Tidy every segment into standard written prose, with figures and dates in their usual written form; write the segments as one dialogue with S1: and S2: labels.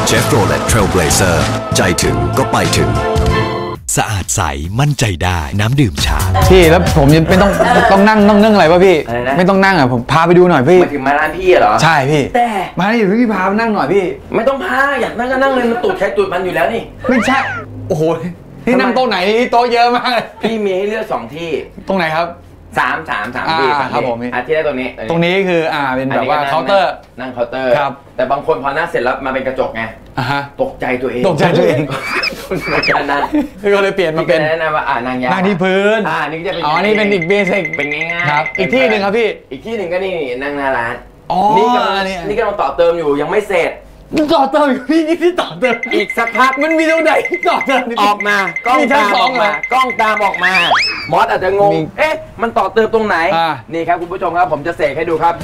S1: Chevrolet Trailblazer ใจถึงก็ไปถึง
S2: สะอาดใสมั่นใจได้น้ำดื่มชา
S3: พี่แล้วผมยังไม่ต้องนั่งอะไรป่ะพี่ไม่ต้องนั่งอ่ะผมพาไปดูหน่อยพี่
S4: มาถึงมาร้านพี่เหรอ
S3: ใช่พี่
S4: แต่
S3: มาดิพี่พาไปนั่งหน่อยพี่
S4: ไม่ต้องพาอยากนั่งก็นั่งเลยมันตูดใช้ตูดมันอยู่แล้วนี่
S3: ไม่ใช่โอ้โหนี่นั่งโต๊ะไหนโต๊ะเยอะมากเลย
S4: พี่มีให้เลือก2ที่
S3: ตรงไหนครับ
S4: สามที่
S3: ครับผม
S4: ที่ได้ตรง
S3: นี้คือเป็นแบบว่าเคาน์เตอร์
S4: นั่งเคาน์เตอร์
S3: ครับ
S4: แต่บางคนพอนั่งเสร็จแล้วมาเป็นกระจกไงตกใจตัวเอง
S3: การนั่งก็เลยเปลี่ยนมาเป็น
S4: แนะนำว่านั่งยา
S3: นั่งที่พื้น
S4: นี่จะเป็น
S3: นี่เป็นอีกเบสิก
S4: เป็นง่าย
S3: ๆครับอีกที่หนึ่งครับพี่
S4: อีกที่หนึ่งก็นี่นั่งหน้าร้าน
S3: นี่
S4: กำลังต่อเติมอยู่ยังไม่เสร็จ
S3: ต่อเติมพี่นี่ที่ต่อเติม
S4: อีกสักพัก
S3: มันมีตรงไหนต่อเติม
S4: ออกมากล้องตามออกมากล้องตามออกมามอสอาจจะงงมันต่อเติมตรงไหนนี่ครับคุณผู้ชมครับผมจะเสกให้ดูครับ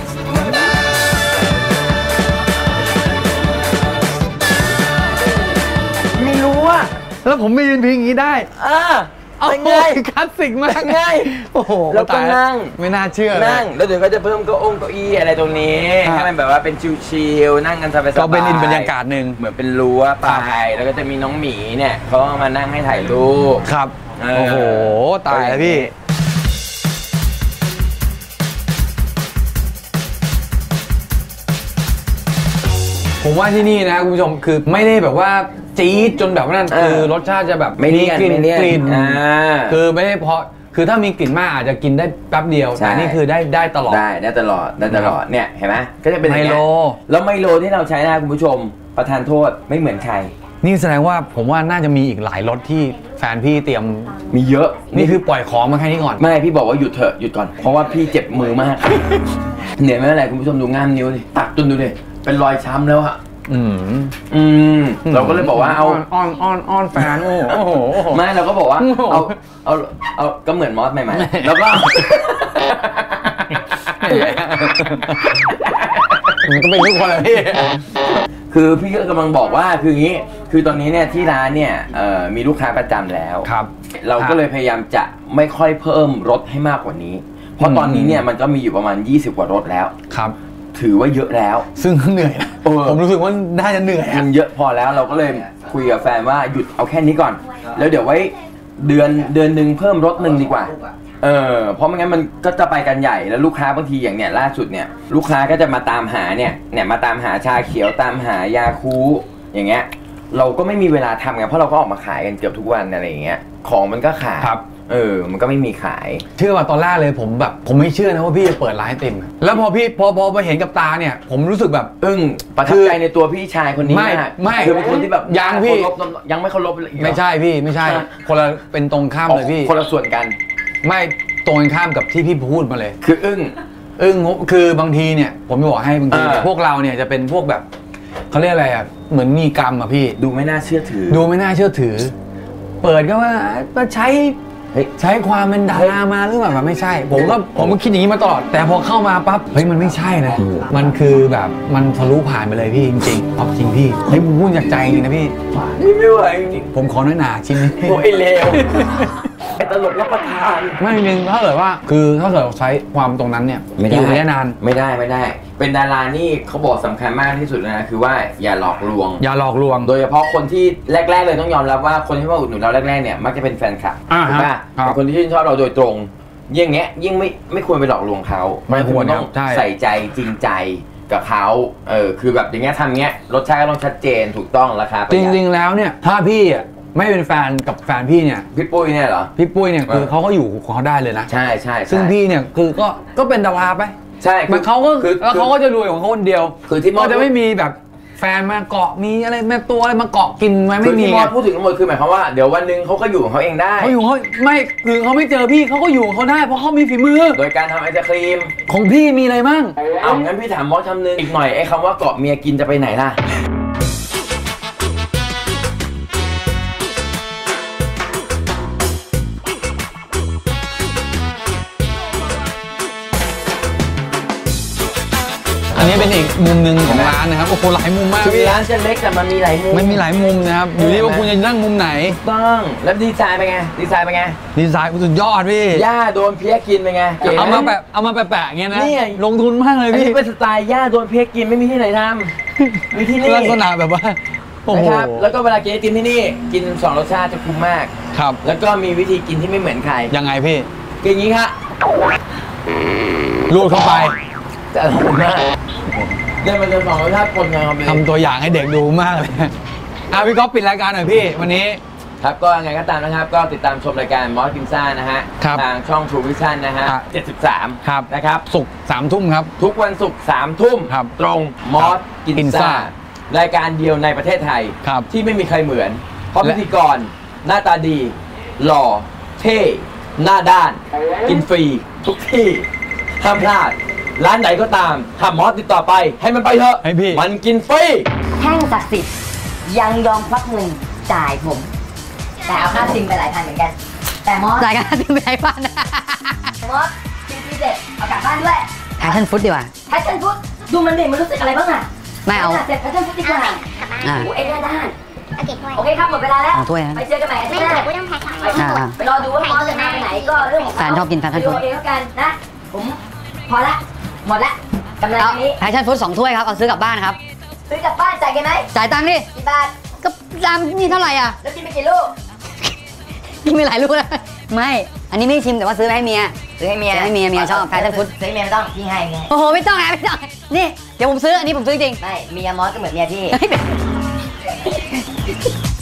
S4: ไม่รู้อะ
S3: แล้วผมไม่ยืนพิงอย่างนี้ได้
S4: เป็นไง
S3: คลาสสิกมาก
S4: ไง
S3: โอ้โห
S4: แล้วก็นั่ง
S3: ไม่น่าเชื่อ
S4: นั่งแล้วเดี๋ยวก็จะเพิ่มเก้าอี้อะไรตรงนี้ให้มันแบบว่าเป็นชิลๆนั่งกันสบายๆ
S3: ก็เป็นบรรยากาศหนึ่ง
S4: เหมือนเป็นรั้วไปแล้วก็จะมีน้องหมีเนี่ยเขามานั่งให้ถ่ายรูป
S3: ครับโอ้โหตายแล้วพี่ผมว่าที่นี่นะคุณผู้ชมคือไม่ได้แบบว่าจี๊ดจนแบบนั้นคือรสชาติจะแบบ
S4: มีกลิ่น
S3: คือไม่ได้เพราะคือถ้ามีกลิ่นมากอาจจะกินได้แป๊บเดียวแต่นี่คือได้ตลอด
S4: ได้ตลอดเนี่ยเห็นไหมก็จะเป็น
S3: ไมโล
S4: แล้วไมโลที่เราใช้นะคุณผู้ชมประทานโทษไม่เหมือนใคร
S3: นี่แสดงว่าผมว่าน่าจะมีอีกหลายรสที่แฟนพี่เตรียม
S4: มีเยอะ
S3: นี่คือปล่อยของมาแค่นี้ก่อน
S4: ไม่พี่บอกว่าหยุดเถอะหยุดก่อนเพราะว่าพี่เจ็บมือมากเหนื่อยไม่เป็นไรคุณผู้ชมดูง่ามนิ้วดิตักจนดูดิเป็นรอยช้ำแล้วอะเราก็เลยบอกว่าเอา
S3: อ้อนแฟนโอ้โห
S4: ไม่เราก็บอกว่าเอาก็เหมือนมอสใหม่ๆแล้วก็
S3: มันก็เป็นทุกคนเลยพี่
S4: คือพี่ก็กำลังบอกว่าคืออย่างนี้คือตอนนี้เนี่ยที่ร้านเนี่ยมีลูกค้าประจำแล้ว
S3: ครับ
S4: เราก็เลยพยายามจะไม่ค่อยเพิ่มรถให้มากกว่านี้เพราะตอนนี้เนี่ยมันก็มีอยู่ประมาณ20กว่ารถแล้ว
S3: ครับ
S4: ถือว่าเยอะแล้ว
S3: ซึ่งเหนื่อยนะผมรู้สึกว่าน่าจะเหนื่อย
S4: มันเยอะพอแล้วเราก็เลยคุยกับแฟนว่าหยุดเอาแค่นี้ก่อนแล้วเดี๋ยวไว้เดือนนึงเพิ่มรถนึงดีกว่าเพราะไม่งั้นมันก็จะไปกันใหญ่แล้วลูกค้าบางทีอย่างเนี้ยล่าสุดเนี่ยลูกค้าก็จะมาตามหาเนี่ยมาตามหาชาเขียวตามหายาคูอย่างเงี้ยเราก็ไม่มีเวลาทำไงเพราะเราก็ออกมาขายกันเกือบทุกวันอะไรอย่างเงี้ยของมันก็ขาดมันก็ไม่มีขาย
S3: เชื่อว่าตอนแรกเลยผมไม่เชื่อนะว่าพี่จะเปิดร้านไอติมแล้วพอพี่พอมาเห็นกับตาเนี่ยผมรู้สึกแบบ
S4: ประทับใจในตัวพี่ชายคนนี้
S3: ไม่
S4: คือเป็นคนที่แบบ
S3: ยังพี่
S4: ยังไม่เคารพ
S3: ไม่ใช่พี่ไม่ใช่คนละเป็นตรงข้ามเลยพี่
S4: คนละส่วนกัน
S3: ไม่ตรงกันข้ามกับที่พี่พูดมาเลย
S4: คือ
S3: คือบางทีเนี่ยผมจะบอกให้บางทีพวกเราเนี่ยจะเป็นพวกแบบเขาเรียกอะไรอ่ะเหมือนมีกรรมอ่ะพี่
S4: ดูไม่น่าเชื่อถือ
S3: เปิดก็ว่าใช้ความเป็นดารามาหรือเปล่าไม่ใช่ผมก็คิดอย่างนี้มาตลอดแต่พอเข้ามาปั๊บมันไม่ใช่นะมันคือแบบมันทะลุผ่านไปเลยพี่จริงๆจริงพี่ผมพูดจากใจจริงนะพี่
S4: ไม่ไหวจริง
S3: ผมขอน้อยหนาชิ้นนี้
S4: โอ้ยเลวไอ้ตลกรับประทาน
S3: ไม่จริงถ้าเกิดว่าคือถ้าเกิดใช้ความตรงนั้นเนี่ยอยู่ได้นาน
S4: ไม่ได้เป็นดารานี่เขาบอกสำคัญมากที่สุดนะคือว่าอย่าหลอกลวงโดยเฉพาะคนที่แรกๆเลยต้องยอมรับว่าคนที่มาอุดหนุนเราแรกๆเนี่ยมักจะเป็นแฟนคลับถูกป่ะคนที่ชื่นชอบเราโดยตรงยิ่งเงี้ยยิ่งไม่ควรไปหลอกลวงเขา
S3: ไม่ควร
S4: ต้องใส่ใจจริงใจกับเขาคือแบบอย่างเงี้ยทำเงี้ยรสชาติก็ต้องชัดเจนถูกต้องราคา
S3: จริงๆแล้วเนี่ยถ้าพี่ไม่เป็นแฟนกับแฟนพี่เนี่ย
S4: พี่ปุ้ยเนี่ยเหรอ
S3: พี่ปุ้ยเนี่ยคือเขาก็อยู่ของเขาได้เลยนะ
S4: ใช่
S3: ซึ่งพี่เนี่ยคือก็เป็นดาราไป
S4: ใช่
S3: มันเขาก็แล้วเขาก็จะรวยของเขาคนเดียว
S4: คือที่มอ
S3: จะไม่มีแบบแฟนมาเกาะมีอะไรแม่ตัวอะไรมาเกาะกินไหมไม่มี
S4: ที่มอพูดถึงทั้งหมดคือหมายความว่าเดี๋ยววันนึงเขาก็อยู่ของเขาเองได้
S3: เขาอยู่เขาไม่คือเขาไม่เจอพี่เขาก็อยู่ของเขาได้เพราะเขามีฝีมือ
S4: โดยการทำไอศครีม
S3: ของพี่มีอะไรบ้าง
S4: งั้นพี่ถามมอสคำนึงอีกหน่อยไอ้คำว่าเกาะเมียกินจะไปไหนล่ะ
S3: อันนี้เป็นอีกมุมหนึ่งของร้านนะครับโอ้โหหลายมุมมาก
S4: คือร้านจะเล็กแต่มันมีหลายมุม
S3: มันมีหลายมุมนะครับอยู่ที่ว่าคุณจะนั่งมุมไหน
S4: ต้องแล้วดีไซน์เป็นไงดีไซน์
S3: สุดยอดพี่
S4: ย่าโดนเพี้ยกินเป็นไง
S3: เอามาแปะอย่างเงี้ยนะลงทุนมากเลยพี่
S4: เป็นสไตล์ย่าโดนเพี้ยกินไม่มีที่ไหนทำมีที่นี่
S3: ลักษณะแบบว่าโอ้โห
S4: นะครับแล้วก็เวลากินไอติมที่นี่กิน2รสชาติจะคุ้มมาก
S3: ครับ
S4: แล้วก็มีวิธีกินที่ไม่เหมือนใคร
S3: ยังไงพี่
S4: กินอย่างนี้ครับ
S3: รูดเข้าไป
S4: จะอร่อยมากเนี่ยมันจะ2รสชาติปนกันครับพี่
S3: ทำตัวอย่างให้เด็กดูมากเลยพี่ก๊อฟปิดรายการหน่อยพี่วันนี้
S4: ครับก็ยังไงก็ตามนะครับก็ติดตามชมรายการมอสกินซ่านะฮะ
S3: ครับ
S4: ทางช่อง True Vision นะฮะ
S3: ครับ
S4: 73
S3: ครับ
S4: นะครับ
S3: ศุกร์3 ทุ่มครับ
S4: ทุกวันศุกร์3 ทุ่ม
S3: ครับ
S4: ตรงมอสกิน
S3: กินซ่า
S4: ซ่ารายการเดียวในประเทศไทย
S3: ครับ
S4: ที่ไม่มีใครเหมือน เพราะ
S3: และ
S4: พิธีกรหน้าตาดี หล่อ เท่ หน้าด้าน กินฟรี ทุกที่ห้ามพลาด ร้านไหนก็ตามถ้ามอสติดต่อไป ให้มันไปเถอะ
S3: ให้พี่
S4: มันกินฟรี
S5: แท่งศักดิ์สิทธิ์ยังยอมควักเงินจ่ายผม แต่เอาค่าซิมไปหลายพันเหมือนกัน แต่มอส
S6: จ่ายกันที่ไม่ได้บ้าน
S5: มอสกินฟรีเสร็จเอากลับบ้านด้วย
S6: แพชชั่นฟุตดีกว่า
S5: แพชชั่นฟุตดูมันดิมันรู้สึกอะไรบ้างอะ
S6: ไม่เอา
S5: เสร็จแพชชั่นฟุตดีกว่า
S6: อ่า
S5: โอ้เอ็นด้าน
S7: โอเคด้วย
S5: โอเคครับหมดเวลาแล้ว
S6: เอาถ้วยนะ
S5: ไปเจอกันใหม่อาทิ
S7: ไม่
S5: ตย์หน้า
S7: เดี๋ยวกูต้องแพ็คของ
S5: ไปไปรอดูว่ามอสจะมาไปไหนก็เรื่องของเขา
S6: แฟนชอบกินแพชชั่นฟุต
S5: ไปดูเอาเองแล้วกันนะ ผมพอละหมดละกำไร
S6: เอา
S5: นี้
S6: แพชชั่นฟุต2 ถ้วยครับ เอาซื้อกลับบ้านครับ
S5: ซื้อกลับบ้านจ่ายกันไหม
S6: จ่ายตังค์ดิ
S5: กี่บาท
S6: ก็ตามนี่เท่าไหร่อ่ะ
S5: แล้วกินไปกี่ลูก
S6: กินไปหลายลูกแล้วไม่ อันนี้ไม่ชิมแต่ว่าซื้อไปให้เมีย
S5: ซื้อให้เมีย
S6: ซื้อให้เมียชอบแพชชั่นฟุต
S5: ซื้อให้เมียไม่ต้องพี่ให้ไง
S6: โอ้โห ไม่ต้องไม่ต้อง นี่ เดี๋ยวผมซื้อ อันนี้ผมซื้อจริง
S5: ไม่เมียมอสก็เหมือนเมียพี่
S6: ไม่เป็น